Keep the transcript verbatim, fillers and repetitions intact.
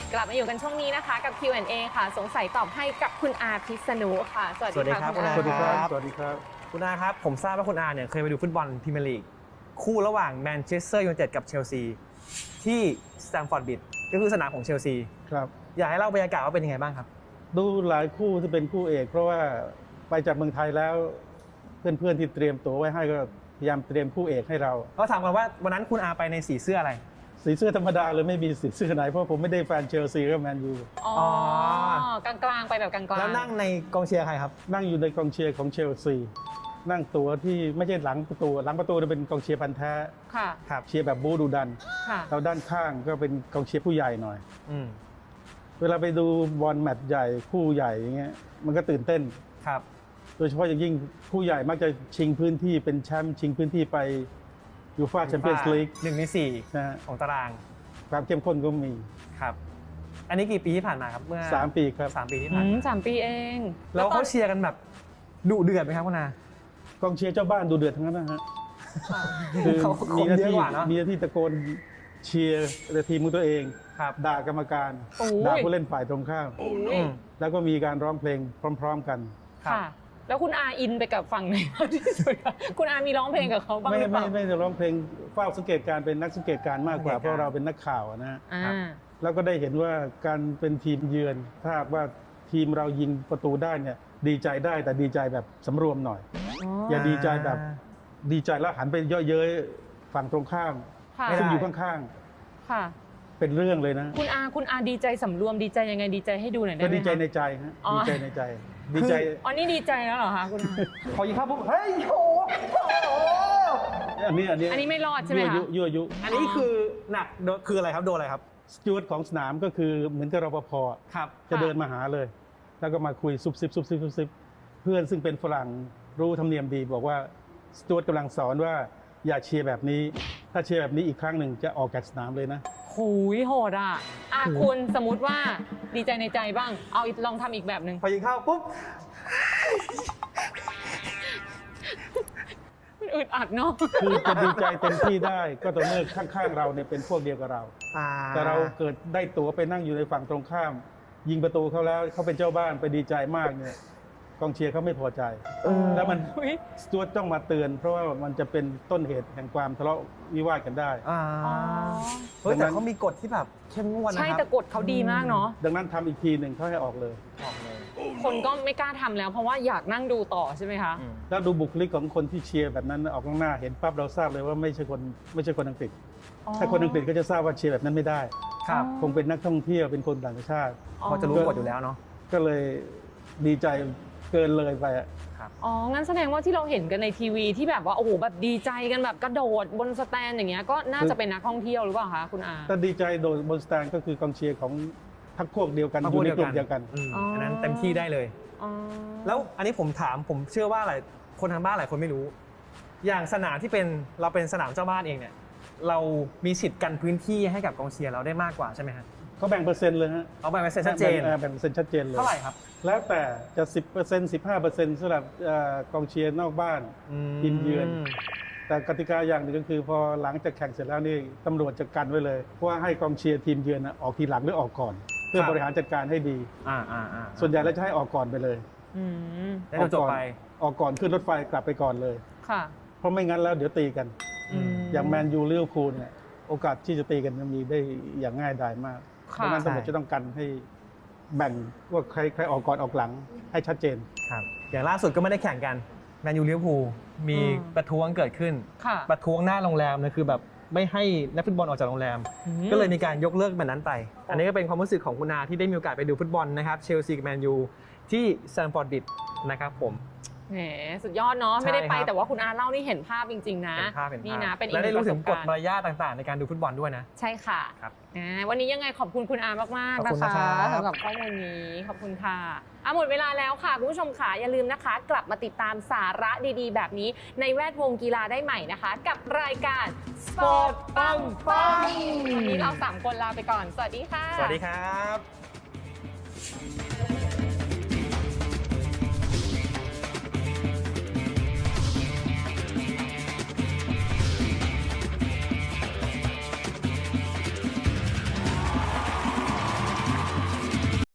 กลับมาอยู่กันช่วงนี้นะคะกับ คิว แอนด์ เอ ค่ะสงสัยตอบให้กับคุณอาพิษณุค่ะสวัสดีค่ะคุณอาสวัสดีครับสวัสดีครับคุณอาครับผมทราบว่าคุณอาเนี่ยเคยไปดูฟุตบอลพรีเมียร์ลีกคู่ระหว่างแมนเชสเตอร์ยูไนเต็ดกับเชลซีที่สแตมฟอร์ดบริดจ์ก็คือสนามของเชลซีครับอยากให้เล่าบรรยากาศว่าเป็นยังไงบ้างครับดูหลายคู่ที่เป็นคู่เอก เพราะว่าไปจากเมืองไทยแล้วเพื่อนๆที่เตรียมตั๋วไว้ให้ก็พยายามเตรียมคู่เอกให้เราก็ถามกันว่าวันนั้นคุณอาไปในสีเสื้ออะไรสีเสื้อธรรมดาเลยไม่มีสีเสื้อไหนเพราะผมไม่ได้แฟนเชลซีกับแมนยูอ๋อ กลางๆไปแบบกลางๆแล้วนั่งในกองเชียร์ใครครับนั่งอยู่ในกองเชียร์ของเชลซีนั่งตั๋วที่ไม่ใช่หลังประตูหลังประตูจะเป็นกองเชียร์พันธุ์แท้ค่ะครับเชียร์แบบบู๊ดุดันค่ะแล้วด้านข้างก็เป็นกองเชียร์ผู้ใหญ่หน่อยอืมเวลาไปดูบอลแมตช์ใหญ่คู่ใหญ่อย่างเงี้ยมันก็ตื่นเต้นครับโดยเฉพาะอย่างยิ่งผู้ใหญ่มักจะชิงพื้นที่เป็นแชมป์ชิงพื้นที่ไปยูฟ่าแชมเปี้ยนส์ลีกหนึ่งในสี่นะฮะของตารางความเข้มข้นก็มีครับอันนี้กี่ปีที่ผ่านมาครับเมื่อสามปีครับสามปีที่อืผ่านมมาสามปีเองแล้วตอเขานเชียร์กันแบบดุเดือดไหมครับคุณอากองเชียร์เจ้าบ้านดูเดือดทั้งนั้นนะฮะค่ะคือเขามีหน้าเยอะที่กว่าเนอะมีหน้าที่ตะโกนเชียร์ทีมของตัวเองครับด่ากรรมการโอ้ยด่าผู้เล่นฝ่ายตรงข้ามอืมแล้วก็มีการร้องเพลงพร้อม ๆ กันครับค่ะ แล้วคุณอาอินไปกับฝั่งไหนมากที่สุดคะคุณอามีร้องเพลงกับเขาบ้างไม่หรือเปไม่ล่าไม่ได้ร้องเพลงเฝ้าสังเกตการณ์เป็นนักสังเกตการณ์มากกว่าสังเกตการณ์เพราะเราเป็นนักข่าวอะนะฮะอ่าแล้วก็ได้เห็นว่าการเป็นทีมเยือนถ้าหากว่าทีมเรายิงประตูได้เนี่ยดีใจได้แต่ดีใจแบบสำรวมหน่อย อย่าดีใจแบบดีใจแล้วหันไปเยอะเย้ยฝั่งตรงข้ามค่ะซึ่งอยู่ข้างค่ะๆเป็นเรื่องเลยนะคุณอาคุณอาดีใจสำรวมดีใจยังไงดีใจให้ดูหน่อยได้ก็ไหมดีใจในคะใจฮะอ๋อดีใจในใจ ดีใจอ๋อนี่ดีใจแล้วเหรอคะคุณอาพอยิงเข้าปุ๊บเฮ้ยโอ้โหอันนี้อันนี้อันนี้ไม่รอดใช่ไหมยั่วคะยุยั่วยุอันนี้คือหนักโดนคืออะไรครับโดนอะไรครับสจวตของสนามก็คือเหมือนกับรปภครับจะเดินมาหาเลย แล้วก็มาคุยซุบซิบซุบซิบซุบซิบเพื่อนซึ่งเป็นฝรั่งรู้ธรรมเนียมดีบอกว่าสจวตกำลังสอนว่าอย่าเชียร์แบบนี้ ถ้าเชียร์แบบนี้อีกครั้งหนึ่งจะออกจากสนามเลยนะหูยโหดอ่ะอ่ะคุณสมมติว่าดีใจในใจบ้าง เอาอีกลองทำอีกแบบหนึ่งพอยิงเข้าปุ๊บมันอึดอัดเนาะคือจะดีใจเต็มที่ได้ก็ต่อเมื่อข้างๆเราเนี่ยเป็นพวกเดียวกับเราอ่าแต่เราเกิดได้ตั๋วไปนั่งอยู่ในฝั่งตรงข้าม ยิงประตูเขาแล้วเขาเป็นเจ้าบ้านไปดีใจมากเนี่ยกองเชียร์เขาไม่พอใจเออแล้วมันอุ๊ยสจวตต้องมาเตือน เพราะว่ามันจะเป็นต้นเหตุแห่งความทะเลาะวิวาทกันได้อ่าอ๋อเฮ้ยแต่เขามีกฎที่แบบเข้มงวดนะครับใช่แต่กฎเขาดีมากเนาะดังนั้นทำอีกทีหนึ่งเขาให้ออกเลยออกเลยคนก็ไม่กล้าทำแล้ว เพราะว่าอยากนั่งดูต่อใช่ไหมคะอืมแล้วดูบุคลิกของคนที่เชียร์แบบนั้นออกข้างหน้าเห็นปั๊บเราทราบเลยว่าไม่ใช่คนไม่ใช่คนอังกฤษ ถ้าคนอังกฤษก็จะทราบว่าเชียร์แบบนั้นไม่ได้ครับคงเป็นนักท่องเที่ยวเป็นคนต่างชาติเขาจะรู้กฎอยู่แล้วเนาะก็เลยดีใจเกินเลยไปอะอ๋อ งั้นแสดงว่าที่เราเห็นกันในทีวีที่แบบว่าโอ้โหแบบดีใจกันแบบกระโดดบนสแตนอย่างเงี้ยก็น่าจะเป็นนักท่องเที่ยวหรือเปล่าคะคุณอาแต่ดีใจโดยบนสแตนก็คือกองเชียร์ของพรรคพวกเดียวกันอยู่ในกลุ่มเดียวกันอืมอันนั้นเต็มที่ได้เลยอ๋อแล้วอันนี้ผมถามผมเชื่อว่าหลายคนทางบ้านหลายคนไม่รู้ อย่างสนามที่เป็นเราเป็นสนามเจ้าบ้านเองเนี่ยเรามีสิทธิ์กันพื้นที่ให้กับกองเชียร์เราได้มากกว่าใช่ไหมฮะเขาแบ่งเปอร์เซ็นต์เลยฮะเอาแบ่งเป็นชัดเจนแบ่งแบ่งเปอร์เซ็นต์ชัดเจนเลยเท่าไหร่ครับแล้วแต่จะ สิบเปอร์เซ็นต์ สิบห้าเปอร์เซ็นต์ สำหรับเอ่อกองเชียร์นอกบ้านทีมเยือน แต่กติกาอย่างหนึ่งก็คือพอหลังจากแข่งเสร็จแล้วนี่ตำรวจจะกันไว้เลยว่าให้กองเชียร์ทีมเยือนน่ะออกทีหลังหรือออกก่อน เพื่อครับบริหารจัดการให้ดีอ่าอ่าอ่าส่วนใหญ่แล้วจะให้ออกก่อนไปเลยอืมได้จบไปออกก่อนขึ้นรถไฟกลับไปก่อนเลยค่ะเพราะไม่งั้นแล้วเดี๋ยวตีกันอืมอย่างแมนยูลิเวอร์พูลเนี่ยโอกาสที่จะตีกันมันมีได้อย่างง่ายดายมากค่ะดังนั้นตำรวจจะต้องกันให้แบ่งว่าใครใครออกก่อนออกหลังให้ชัดเจนครับอย่างล่าสุดก็ไม่ได้แข่งกันแมนยูลิเวอร์พูลมีอืมประท้วงเกิดขึ้นค่ะประท้วงหน้าโรงแรมนะคือแบบไม่ให้นักฟุตบอลออกจากโรงแรมอืมก็เลยมีการยกเลิกแบบนั้นไป อันนี้ก็เป็นความรู้สึกของคุณอาที่ได้มีโอกาสไปดูฟุตบอลนะครับเชลซีกับแมนยูที่สแตมฟอร์ดบริดจ์นะครับผมแหมสุดยอดเนาะใช่ไม่ได้ไปครับแต่ว่าคุณอาเล่านี่เห็นภาพจริง ๆ นะเห็นภาพเห็นภาพนี่นะเป็นอีกและหได้นึ่งปรู้ระสถึงบกฎการณ์มารยาทต่างๆ ในการดูฟุตบอลด้วยนะใช่ค่ะครับอ่าวันนี้ยังไงขอบคุณคุณอามากๆขอบนะคุณคะนะครับสำหรับข้อมูลนี้ขอบคุณค่ะอ่ะหมดเวลาแล้วค่ะคุณผู้ชมค่ะอย่าลืมนะคะ กลับมาติดตามสาระดีๆ แบบนี้ในแวดวงกีฬาได้ใหม่นะคะ กับรายการสปอร์ตปังปังวันนี้เราสามคนลาไปก่อน สวัสดีค่ะสวัสดีครับ